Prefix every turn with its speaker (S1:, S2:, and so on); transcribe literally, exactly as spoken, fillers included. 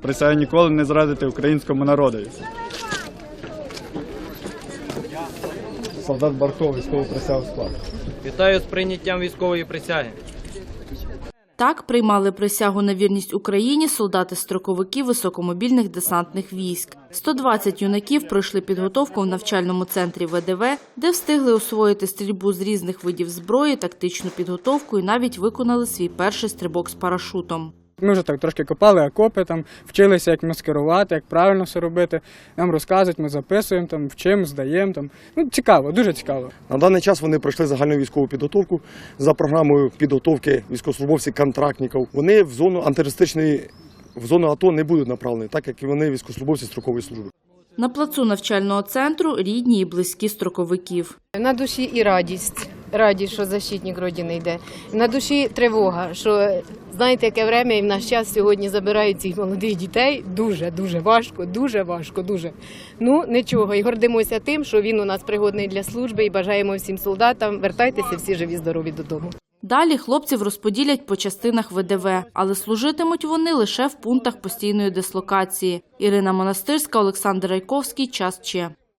S1: присягаю ніколи не зрадити українському народові. Солдат Барков, військову присягу склав.
S2: Вітаю з прийняттям військової присяги.
S3: Так приймали присягу на вірність Україні солдати-строковики високомобільних десантних військ. сто двадцять юнаків пройшли підготовку в навчальному центрі Ве Де Ве, де встигли освоїти стрільбу з різних видів зброї, тактичну підготовку і навіть виконали свій перший стрибок з парашутом.
S4: Ми вже так трошки копали окопи, там, вчилися, як маскирувати, як правильно все робити. Нам розказують, ми записуємо, там, вчимо, здаємо. Там. Ну, цікаво, дуже цікаво.
S5: На даний час вони пройшли загальну військову підготовку за програмою підготовки військовослужбовців-контрактників. Вони в зону антитерористичної, в зону АТО не будуть направлені, так як і вони військовослужбовці строкової служби.
S3: На плацу навчального центру рідні і близькі строковиків.
S6: На душі і радість, радість, що защитник Родини йде. На душі тривога, що, знаєте, яке время і в наш час сьогодні забирають цих молодих дітей. Дуже, дуже важко, дуже важко, дуже. Ну, нічого, і гордимося тим, що він у нас пригодний для служби і бажаємо всім солдатам, вертайтеся всі живі, здорові додому.
S3: Далі хлопців розподілять по частинах Ве Де Ве, але служитимуть вони лише в пунктах постійної дислокації. Ірина Монастирська, Олександр Райковський. Час Че.